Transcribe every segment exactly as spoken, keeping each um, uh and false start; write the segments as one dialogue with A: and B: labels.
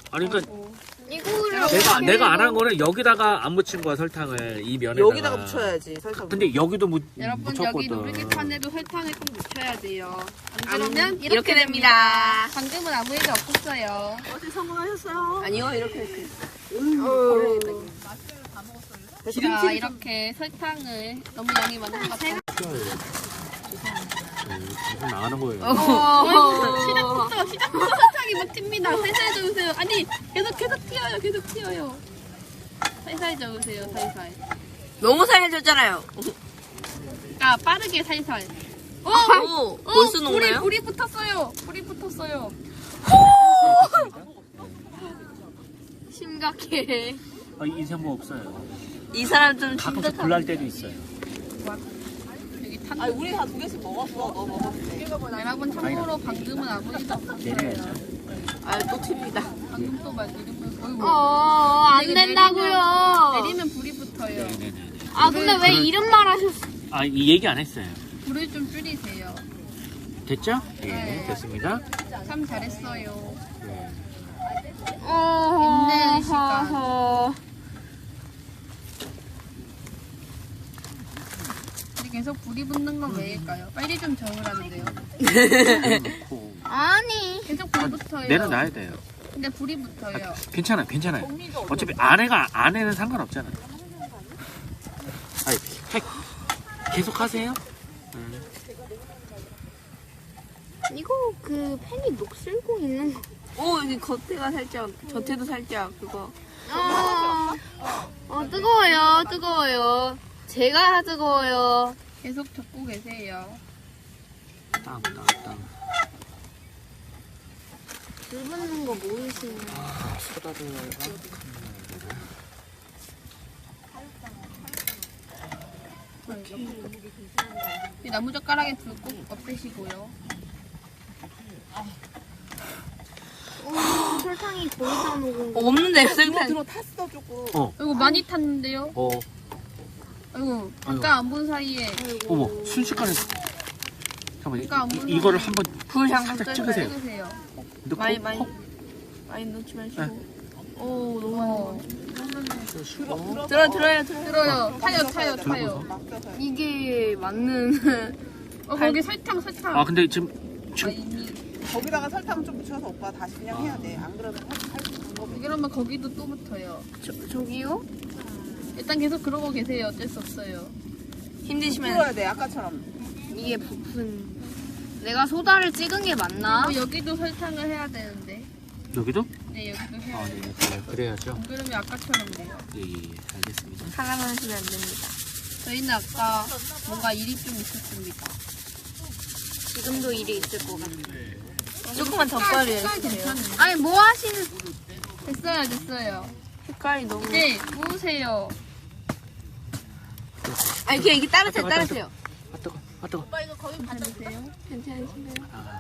A: 아니 그러니까
B: 이거를
A: 내가 내가 안 한 거는 여기다가 안 묻힌 거야 설탕을 이 면에다가.
C: 여기다가 묻혀야지 설탕.
A: 근데 여기도 묻
D: 여러분
A: 묻혔거든.
D: 여기 누르기판에도 설탕을 꼭 묻혀야 돼요. 안
B: 안
D: 그러면
B: 이렇게, 이렇게 됩니다.
D: 방금은 아무 일도 없었어요.
C: 어제 성공하셨어요. 아니요 이렇게 이렇게.
D: 자 이렇게 설탕을 너무 양이 많은 것 같아요.
A: 무슨 나가는 거예요.
D: 시작부터 시작부터 설탕이 막 튑니다. 살살 저으세요. 아니 계속 계속 튀어요. 계속 튀어요. 살살 저으세요. 살살.
B: 너무 살려줬잖아요.
D: 아 빠르게 살살. 어,
B: 오,
D: 어,
B: 벌써
D: 불이
B: 녹나요?
D: 불이 붙었어요. 불이 붙었어요. 심각해.
A: 아, 인생 뭐 없어요.
B: 이 사람 좀
A: 가끔씩
B: 심각하다.
A: 불날 때도 있어요.
D: 여기 탄.
C: 아니 우리 다 두 개씩 먹었어. 너 먹었지.
D: 여러분 참고로 방금은 아무 일도 없었어요.
A: 내려야죠.
B: 아또 튑니다.
D: 방금 또 말 이러면 어이구.
E: 어, 안
D: 이거
E: 된다고요.
D: 내리면 불이 붙어요.
A: 네네네.
E: 아, 근데 왜 이런 말 하셨어?
A: 아, 이 얘기 안 했어요.
D: 불을 좀 줄이세요.
A: 됐죠? 예,
D: 네.
A: 됐습니다.
D: 참 잘했어요.
A: 네.
E: 어,
D: 인내의 시간.
E: 허허.
D: 근데 계속 불이 붙는 건 왜일까요? 빨리 좀 저으라는데요.
A: 내려놓고.
E: 아니.
D: 계속 불 붙어요.
A: 내려놔야 돼요.
D: 근데 불이 붙어요.
A: 괜찮아요, 괜찮아요. 어차피 안에가, 안에는 상관없잖아요. 아니, 하- 계속 하세요.
E: 이거 그 팬이 녹슬고 있는 거.
B: 오 여기 겉에가 살짝 겉에도 살짝 그거.
E: 어, 어, 뜨거워요, 뜨거워요. 제가 뜨거워요.
D: 계속 적고 계세요.
A: 땅, 땅, 땅.
E: 불 붙는 거 모르시는 거.
A: 아, 소다를
D: 이 나무젓가락에 불 꼭 없애시고요.
E: 어, 설탕이 거의 다 녹은 거.
B: 없는데요
C: 이거
B: 설탕.
C: 들어 탔어 조금.
A: 어,
D: 아이고 많이 탔는데요.
A: 어,
D: 아이고 잠깐 안 본 사이에
A: 어머, 순식간에. 잠깐만,
D: 그러니까 안
A: 이,
D: 보는
A: 이, 이거를 한번
B: 불 잠깐
A: 살짝
B: 끄세요.
A: 찍으세요.
D: 찍으세요.
A: 넣고,
B: 많이 많이
A: 헉,
B: 많이 넣지 마시고.
A: 네.
B: 오 너무
D: 어,
A: 들어주시고.
B: 들어 들어요 들어.
D: 들어요. 타요 타요 타요.
C: 맡겨서.
B: 이게 맞는.
D: 어 거기 설탕 설탕.
A: 아, 근데 지금,
D: 아,
A: 지금,
D: 이미
C: 거기다가 설탕 좀 묻혀서 오빠 다시 그냥 해야 돼. 안 그러면 할수 방법이.
D: 그러면 거기도 또 붙어요.
E: 저, 저기요?
D: 일단 계속 그러고 계세요. 어쩔 수 없어요.
B: 힘드시면
C: 풀어야 돼 아까처럼.
E: 이게 부푼. 내가 소다를 찍은 게 맞나?
D: 어, 여기도 설탕을 해야 되는데.
A: 여기도?
D: 네 여기도 해야
A: 아,
D: 돼요.
A: 네, 네, 그래야죠.
D: 안 그러면 아까처럼 돼요.
A: 예, 예, 알겠습니다.
B: 하나만 하시면 안 됩니다.
D: 저희는 아까 뭔가 일이 좀 있었습니다.
E: 지금도 일이 있을 것 같아.
B: 조금만 더
D: 색깔
B: 빨리
D: 색깔
B: 해주세요.
D: 괜찮네.
E: 아니, 뭐 하시는.
D: 됐어요 됐어요.
B: 색깔이 너무.
D: 이제 구우세요.
B: 아니 그냥 이게 따르세요
A: 아, 뜨거,
B: 따르세요.
A: 아, 뜨거, 아, 뜨거.
D: 괜찮으세요?
B: 괜찮으신가요?
A: 아,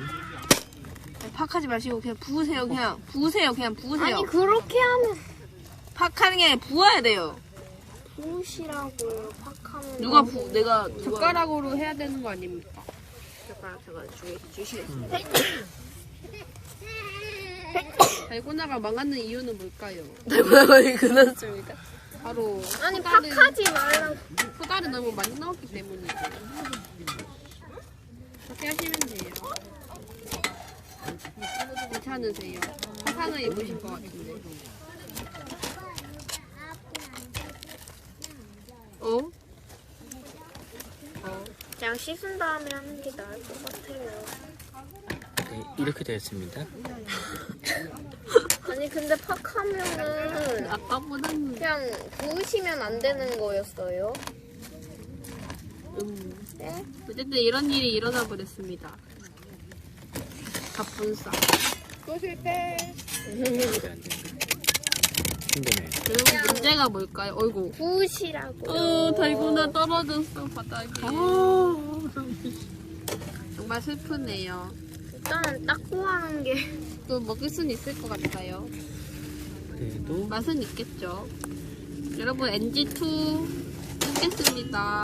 B: 팍하지 마시고 그냥 부으세요 그냥 부으세요 그냥 부으세요.
E: 아니, 그렇게 하면.
B: 팍하는 게 아니라 부어야 돼요.
E: 부으시라고요, 팍하면.
B: 누가 부 내가 누가
D: 젓가락으로 해야 되는 거 아닙니까?
B: 젓가락 제가 주, 주시겠습니다.
D: 달고나가 망하는 이유는 뭘까요?
B: 달고나가 끝났습니다.
D: 바로
E: 아니,
D: 소다를-
E: 팍하지 말라고.
D: 소다를 너무 많이 넣었기 때문이죠. 그렇게 하시면 돼요. 괜찮으세요? 화상을 입으신 것 같은데. 어?
E: 그냥 씻은 다음에 하는 게 나을 것 같아요.
A: 네, 이렇게 되었습니다.
E: 아니, 근데 팍하면은.
D: 아까보다는
E: 그냥 부으시면 안 되는 거였어요.
D: 음.
E: 네?
D: 어쨌든 이런 일이 일어나 버렸습니다. 갑분싸.
C: 또 실패.
A: 힘드네요.
D: 여러분 문제가 뭘까요? 어이구.
E: 부으시라고.
D: 어 달고나 떨어졌어 바닥에. 정말 슬프네요.
E: 일단은 닦고 하는 게.
D: 또 먹을 수는 있을 것 같아요.
A: 그래도
D: 맛은 있겠죠. 여러분 엔지 투 끊겠습니다.